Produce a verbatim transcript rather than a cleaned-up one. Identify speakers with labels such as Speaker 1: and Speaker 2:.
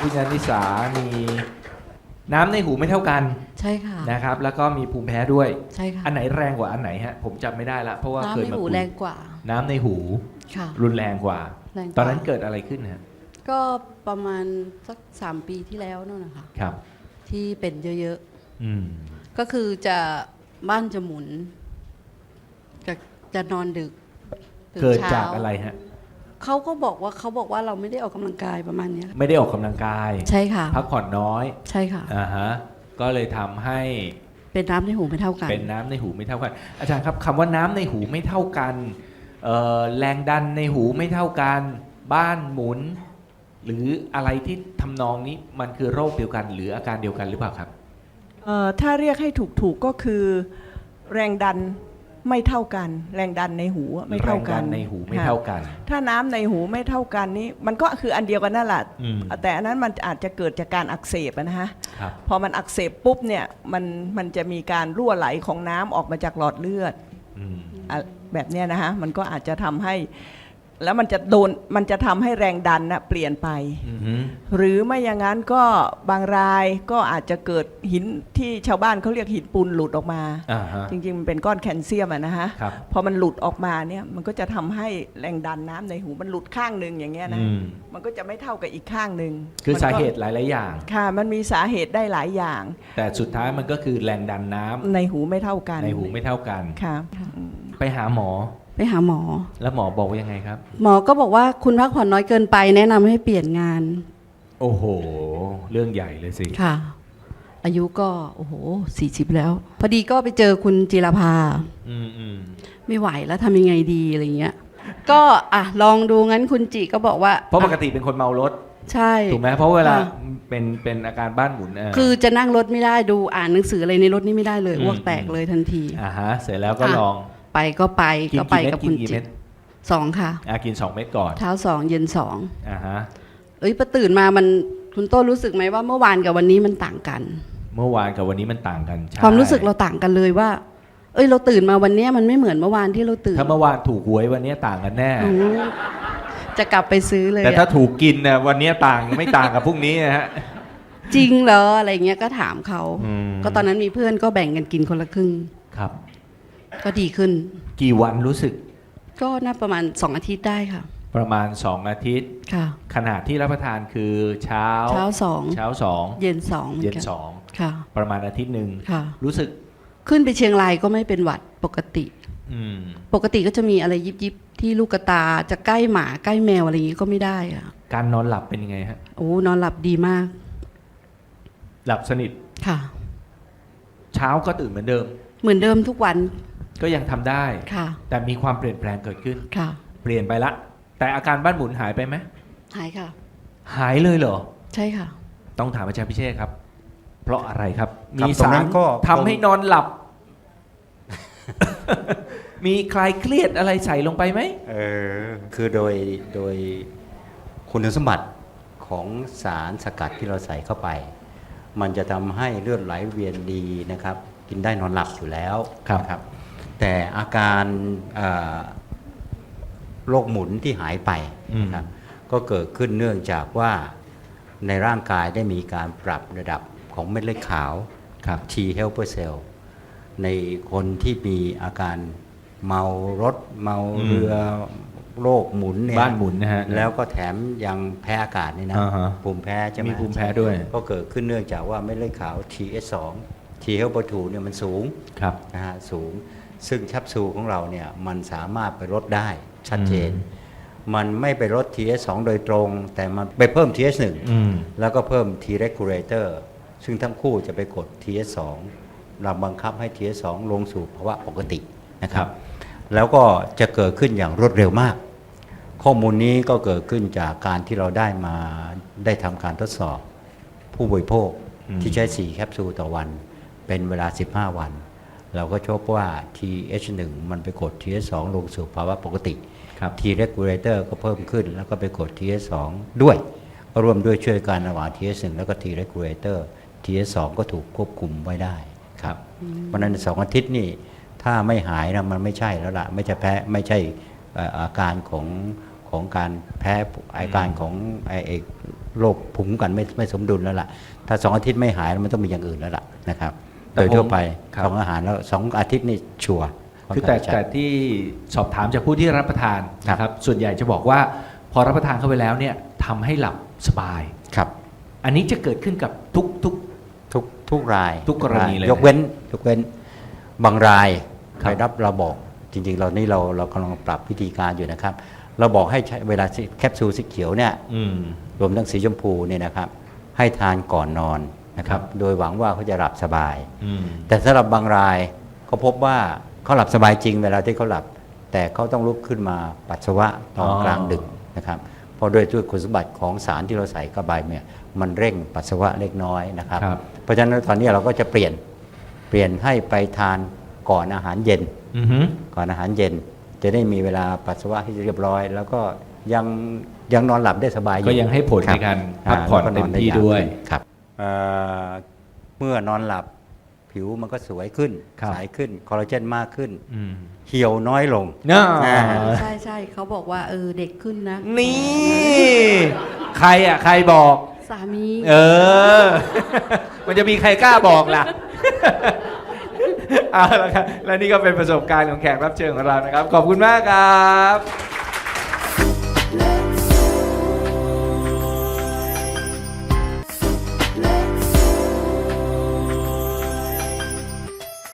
Speaker 1: คุณยานิสามีน้ำในหูไม่เท่ากัน
Speaker 2: ใช่ค่ะ
Speaker 1: นะครับแล้วก็มีภูมิแพ้ด้วย
Speaker 2: ใช่ค่ะ
Speaker 1: อันไหนแรงกว่าอันไหนฮะผมจำไม่ได้ละเพราะว่าเค
Speaker 2: น้ำ
Speaker 1: ย
Speaker 2: ใน
Speaker 1: มา
Speaker 2: หู
Speaker 1: คุย
Speaker 2: แรงกว่า
Speaker 1: น้ำในหู
Speaker 2: ค่ะ
Speaker 1: รุนแรงกว่า
Speaker 2: แรงกว่า
Speaker 1: ตอนนั้นเกิดอะไรขึ้นฮะ
Speaker 2: ก็ประมาณสักสามปีที่แล้วนั่นนะคะ
Speaker 1: ครับ
Speaker 2: ที่เป็นเยอะ
Speaker 1: อืม
Speaker 2: ๆ ก็คือจะบ้านจะหมุน จะจะนอนดึกตื่น
Speaker 1: เกิด
Speaker 2: ช้
Speaker 1: จากอะไรฮะ
Speaker 2: เขาก็บอกว่าเขาบอกว่าเราไม่ได้ออกกำลังกายประมาณเนี้ย
Speaker 1: ไม่ได้ออกกำลังกาย
Speaker 2: ใช่ค่ะ
Speaker 1: พักผ่อนน้อย
Speaker 2: ใช่ค่ะ
Speaker 1: อ่าฮะก็เลยทำให้
Speaker 2: เป็นน้ำในหูไม่เท่ากัน
Speaker 1: เป็นน้ำในหูไม่เท่ากัน อาจารย์ครับคำว่าน้ำในหูไม่เท่ากันเอ่อแรงดันในหูไม่เท่ากันบ้านหมุน หรืออะไรที่ทำนองนี้มันคือโรคเดียวกัน หรืออาการเดียวกันหรือเปล่าครับ
Speaker 3: เอ่อถ้าเรียกให้ถูกๆก็คือแรงดันไม่เท่ากัน แรงดันในหูไม่เท่ากัน
Speaker 1: แรงดันในหูไม่เท่ากัน
Speaker 3: ค่ะถ้าน้ำในหูไม่เท่ากันนี้มันก็คืออันเดียวกันนั่นแหละ
Speaker 1: อืม
Speaker 3: แต่อันนั้นมันอาจจะเกิดจากการอักเสบอะนะฮะ
Speaker 1: ครับ
Speaker 3: พอมันอักเสบปุ๊บเนี่ยมันมันจะมีการรั่วไหลของน้ำออกมาจากหลอดเลือด
Speaker 1: อืม
Speaker 3: อะแบบเนี้ยนะฮะมันก็อาจจะทำให้แล้วมันจะโดนมันจะทำให้แรงดันนะเปลี่ยนไป
Speaker 1: อือฮึ
Speaker 3: หรือไม่อย่างนั้นก็บางรายก็อาจจะเกิดหินที่ชาวบ้านเขาเรียกหินปูนหลุดออกมา
Speaker 1: อ่าฮะ
Speaker 3: จริงๆมันเป็นก้อนแคลเซียมอะนะฮะ
Speaker 1: ครับ
Speaker 3: พอมันหลุดออกมาเนี่ยมันก็จะทำให้แรงดันน้ำในหูมันหลุดข้างหนึ่งอย่างเงี้ยนะ
Speaker 1: อืม
Speaker 3: มันก็จะไม่เท่ากับอีกข้างหนึ่ง
Speaker 1: คือ
Speaker 3: มันก็
Speaker 1: สาเหตุหลาย ๆ อย่าง
Speaker 3: ค่ะมันมีสาเหตุได้หลายอย่าง
Speaker 1: แต่สุดท้ายมันก็คือแรงดันน้ำ
Speaker 3: ในหูไม่เท่ากัน
Speaker 1: ในหูไม่เท่ากัน
Speaker 3: ค่ะ
Speaker 1: ไปหาหมอ
Speaker 2: ไปหาหมอ
Speaker 1: แล้วหมอบอกว่ายังไงครับ
Speaker 2: หมอก็บอกว่าคุณพักผ่อนน้อยเกินไปแนะนำให้เปลี่ยนงาน
Speaker 1: โอ้โห เรื่องใหญ่เลยสิ
Speaker 2: ค่ะ อายุก็โอ้โหสี่สิบแล้ว พอดีก็ไปเจอคุณจิรภา
Speaker 1: อืมอืม
Speaker 2: ไม่ไหวแล้วทำยังไงดีอะไรเงี้ย ก็อ่ะลองดูงั้นคุณจิก็บอกว่า
Speaker 1: เพราะปก
Speaker 2: อ่ะ
Speaker 1: ติเป็นคนเมารถ
Speaker 2: ใช่
Speaker 1: ถูกไหมเพราะเวลา
Speaker 2: ค่ะ
Speaker 1: เป็นเป็นอาการบ้านหมุนเ
Speaker 2: คือจะนั่งรถไม่ได้ดูอ่านหนังสืออะไรในรถนี่ไม่ได้เลย
Speaker 1: อืม
Speaker 2: อ้วกแตกเลยทันที
Speaker 1: อ่าฮะ เสร็จแล้วก็
Speaker 2: ค่ะ
Speaker 1: ลอง
Speaker 2: ไปก็ไป
Speaker 1: กิน
Speaker 2: ก็ไป
Speaker 1: กี่เม็ด
Speaker 2: กับ
Speaker 1: กิ
Speaker 2: คุ
Speaker 1: น
Speaker 2: ณ
Speaker 1: กี่
Speaker 2: จิ
Speaker 1: เม็ด
Speaker 2: สองค่ะ
Speaker 1: อ่ากินสองเม็ดก่อน
Speaker 2: เช้าสองเย็นสอง
Speaker 1: อ่าฮะ
Speaker 2: เอ้ยพอตื่นมามันคุณโต้รู้สึกไหมว่าเมื่อวานกับวันนี้มันต่างกัน
Speaker 1: เมื่อวานกับวันนี้มันต่างกันใช่
Speaker 2: ความรู้สึกเราต่างกันเลยว่า เอ้ยเราตื่นมาวันเนี้ยมันไม่เหมือนเมื่อวานที่เราตื่น
Speaker 1: ถ้าเมื่อวานถูกหวยวันนี้ต่างกันแน่
Speaker 2: โอ้จะกลับไปซื้อเลย
Speaker 1: แต่ถ้า
Speaker 2: อะ
Speaker 1: ถูกกินนะวันนี้ต่างไม่ต่างกับพรุ่งนี้นะฮะ
Speaker 2: จริงเหรออะไรเงี้ยก็ถามเขา
Speaker 1: อืม
Speaker 2: ก็ตอนนั้นมีเพื่อนก็แบ่งกันกินคนละครึ่ง
Speaker 1: ครับ
Speaker 2: ก็ดีขึ้น
Speaker 1: กี่วันรู้สึก
Speaker 2: ก็น่าประมาณสองอาทิตย์ได้ค่ะ
Speaker 1: ประมาณสองอาทิตย์
Speaker 2: ค่ะ
Speaker 1: ขนาดที่รับประทานคือเช้า
Speaker 2: เช้าสอง
Speaker 1: เช้าสอง
Speaker 2: เย็นสองหมื
Speaker 1: เย็
Speaker 2: อน กัน
Speaker 1: สอง
Speaker 2: ค่ะ
Speaker 1: ประมาณอาทิตย์หนึ่ง
Speaker 2: ค่ะ
Speaker 1: รู้สึก
Speaker 2: ขึ้นไปเชียงรายก็ไม่เป็นหวัดปกติ
Speaker 1: อืม
Speaker 2: ปกติก็จะมีอะไรยิบยิบๆที่ลูกกระตาจะใกล้หมาใกล้แมวอะไรอย่างงี้ก็ไม่ได้อะ
Speaker 1: การนอนหลับเป็นยังไงฮะ
Speaker 2: โอ้นอนหลับดีมาก
Speaker 1: หลับสนิท
Speaker 2: ค่ะ
Speaker 1: เช้าก็ตื่นเหมือนเดิม
Speaker 2: เหมือนเดิมทุกวัน
Speaker 1: ก็ยังทำได้
Speaker 2: ค่ะ
Speaker 1: แต่มีความเปลี่ยนแปลงเกิดขึ้น
Speaker 2: ค่ะ
Speaker 1: เปลี่ยนไปละ แต่อาการบ้านหมุนหายไปไหม
Speaker 2: หายค่ะ
Speaker 1: หายเลยเหรอ
Speaker 2: ใช่ค่ะ
Speaker 1: ต้องถามอาจารย์พิเชษครับ เพราะอะไรครับ
Speaker 4: ครับ
Speaker 1: มี
Speaker 4: ตรง
Speaker 1: สา
Speaker 4: นั้
Speaker 1: ร
Speaker 4: นก็
Speaker 1: ทำให้นอนหลับ มีคลายเครียดอะไรใส่ลงไปไหม
Speaker 4: เออคือโดยโดยคุณสมบัติของสารสกัดที่เราใส่เข้าไป มันจะทำให้เลือดไหลเวียนดีนะครับ กินได้นอนหลับอยู่แล้ว
Speaker 1: ครับ
Speaker 4: นะครับ แต่อาการเอ่อโรคหมุนที่หายไปนะครับก็เกิดขึ้นเนื่องจากว่าในร่างกายได้มีการปรับระดับของเม็ดเลือดขาว
Speaker 1: ครับ
Speaker 4: T helper cell ในคนที่มีอาการเมารถเมาเรือโรคหมุนเนี่ย
Speaker 1: บ้านหมุนนะฮะ
Speaker 4: แล้วก็แถมยังแพ้อากาศนี่นะ
Speaker 1: อ่าฮะ
Speaker 4: ภูมิแพ้ใช่ไหม
Speaker 1: มีภูมิแพ้ด้วย
Speaker 4: ก็เกิดขึ้นเนื่องจากว่าเม็ดเลือดขาว ที เอส สอง T helper ทูเนี่ยมันสูง
Speaker 1: ครับ
Speaker 4: นะฮะสูง ซึ่งแคปซูลของเราเนี่ยมันสามารถไปลดได้ชัดเจน มันไม่ไปลด ที เอส สอง โดยตรง แต่มันไปเพิ่ม ที เอส หนึ่ง
Speaker 1: อืม
Speaker 4: แล้วก็เพิ่ม T regulator ซึ่งทั้งคู่จะไปกด ที เอส สอง เราบังคับให้ ที เอส สอง ลงสู่ภาวะปกตินะครับ แล้วก็จะเกิดขึ้นอย่างรวดเร็วมาก ข้อมูลนี้ก็เกิดขึ้นจากการที่เราได้มาได้ทำการทดสอบผู้บริโภค
Speaker 1: อืม
Speaker 4: ที่ใช้ สี่ แคปซูลต่อวัน เป็นเวลา สิบห้า วัน เราก็พบว่า ที เอช หนึ่ง มันไปกด ที เอส สอง ลงสู่ภาวะปกติ
Speaker 1: ครับ
Speaker 4: T regulator ก็เพิ่มขึ้น แล้วก็ไปกด ที เอส สอง ด้วยก็ร่วมด้วยช่วยกันระหว่าง ที เอส หนึ่ง แล้วก็ T regulator ที เอส สอง ก็ถูกควบคุมไว้ได้ครับเพราะฉะนั้นสองอาทิตย์นี่ถ้าไม่หายนะมันไม่ใช่แล้วล่ะไม่ใช่แพ้ไม่ใช่เอ่ออาการของของการแพ้อาการของไอไอ้โรคภูมิคุ้มกันไม่ไม่สมดุลแล้วล่ะถ้าสองอาทิตย์ไม่หายมันต้องมีอย่างอื่นแล้วล่ะนะครับ
Speaker 1: แต่
Speaker 4: โดยทั่วไป
Speaker 1: ผมครับ
Speaker 4: สองอาหารแล้วสองอาทิตย์นี่ชัวร์
Speaker 1: คือแต่
Speaker 4: ค่อนข้างจะ
Speaker 1: แต่ที่สอบถามจากผู้ที่รับประทาน
Speaker 4: ครับ
Speaker 1: นะครับส่วนใหญ่จะบอกว่าพอรับประทานเข้าไปแล้วเนี่ยทำให้หลับสบาย
Speaker 4: ครับ
Speaker 1: อันนี้จะเกิดขึ้นกับทุกทุก
Speaker 4: ทุกทุกราย
Speaker 1: ทุกกรณีเลย
Speaker 4: ยกเว้นยกเว้นบางราย
Speaker 1: ครับ
Speaker 4: ไปรับเราบอกจริงๆ เรานี่เราเรากำลังปรับวิธีการอยู่นะครับ เราบอกให้ใช้เวลาแคปซูลสีเขียวเนี่ย
Speaker 1: อืม
Speaker 4: รวมทั้งสีชมพูเนี่ยนะครับ ให้ทานก่อนนอนนะครับ โดยหวังว่าเขาจะหลับสบาย
Speaker 1: อืม
Speaker 4: แต่สำหรับบางรายเขาพบว่าเขาหลับสบายจริงเวลาที่เขาหลับ แต่เขาต้องลุกขึ้นมาปัสสาวะตอน
Speaker 1: อ๋อ
Speaker 4: กลางดึกนะครับเพราะด้วยด้วยคุณสมบัติของสารที่เราใส่เข้าไปเนี่ยมันเร่งปัสสาวะเล็กน้อยนะครับ
Speaker 1: ครับ
Speaker 4: เพราะฉะนั้นตอนนี้เราก็จะเปลี่ยนเปลี่ยนให้ไปทานก่อนอาหารเย็น
Speaker 1: อือฮึ
Speaker 4: ก่อนอาหารเย็น จะได้มีเวลาปัสสาวะที่เรียบร้อย แล้วก็ยังยังนอนหลับได้สบายอยู่
Speaker 1: ก็ยังให้ผล
Speaker 4: ค
Speaker 1: ใน
Speaker 4: บ
Speaker 1: การพักผ่อน
Speaker 4: อ่า
Speaker 1: เต็ม
Speaker 4: แล้วก็
Speaker 1: ที่
Speaker 4: ไา
Speaker 1: ด้วย
Speaker 4: ขึ้นครับเอ่อเมื่อนอนหลับผิวมันก็สวยขึ้น
Speaker 1: ครับ
Speaker 4: ใสขึ้นคอลลาเจนมากขึ้น
Speaker 1: อืม
Speaker 4: เหี่ยวน้อยลง
Speaker 1: เนาะ
Speaker 4: อ่า
Speaker 2: ใช่ใช่เขาบอกว่าเออเด็กขึ้นนะ
Speaker 1: นี่ ใครอ่ะ ใครบอก
Speaker 2: สามี
Speaker 1: เออ มันจะมีใครกล้าบอกล่ะ เอาละครับ และนี่ก็เป็นประสบการณ์ของแขกรับเชิญของเรานะครับ ขอบคุณมากครับ